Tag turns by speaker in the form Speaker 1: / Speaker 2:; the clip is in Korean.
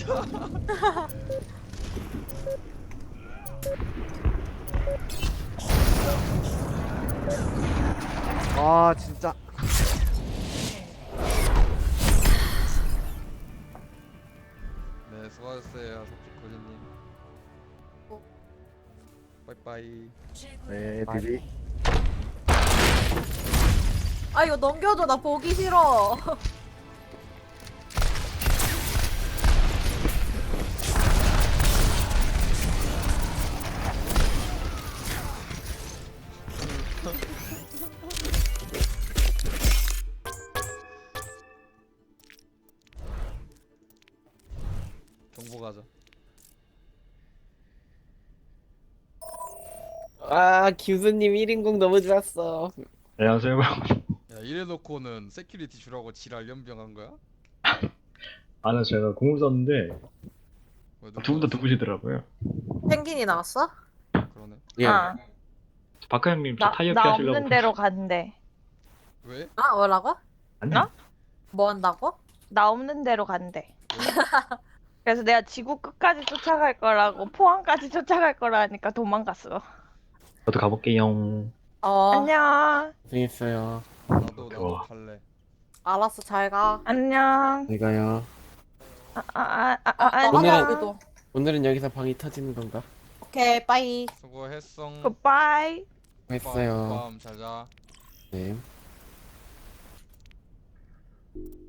Speaker 1: 아 진짜.
Speaker 2: 네, 수고하셨어요, 석지코리님. 빠이빠이.
Speaker 1: 네 비비.
Speaker 3: 아 이거 넘겨줘. 나 보기 싫어.
Speaker 2: 정보 가자.
Speaker 4: 아, 교수님 1인공 너무 좋았어.
Speaker 5: 안녕하세요.
Speaker 2: 야, 이래놓고는 세큐리티 주라고 지랄 연병한 거야?
Speaker 5: 아는 제가 공을 썼는데
Speaker 2: 왜
Speaker 5: 두 분 다
Speaker 2: 나왔어?
Speaker 5: 누구시더라고요.
Speaker 3: 펭귄이 나왔어?
Speaker 2: 그러네.
Speaker 4: 예.
Speaker 6: 아,
Speaker 5: 박하 형님 저 타이어키
Speaker 6: 나
Speaker 5: 하시려고.
Speaker 6: 없는 대로 간대.
Speaker 2: 왜?
Speaker 3: 아 뭐라고?
Speaker 5: 아니.
Speaker 6: 나?
Speaker 3: 뭐 한다고?
Speaker 6: 나 없는 대로 간대. 그래서 내가 지구 끝까지 쫓아갈 거라고 포항까지 쫓아갈 거라 하니까 도망갔어.
Speaker 5: 저도 가볼게요.
Speaker 6: 안녕.
Speaker 4: 고생했어요.
Speaker 2: 나도
Speaker 5: 좋아.
Speaker 2: 갈래.
Speaker 3: 알았어 잘 가.
Speaker 6: 안녕.
Speaker 4: 잘 가요.
Speaker 3: 너
Speaker 4: 오늘은-
Speaker 3: 하자 우리도.
Speaker 4: 오늘은 여기서 방이 터지는 건가?
Speaker 3: 오케이 빠이.
Speaker 2: 수고했어.
Speaker 6: 굿바이.
Speaker 4: 했어요.
Speaker 2: 밤 자자.
Speaker 4: 네.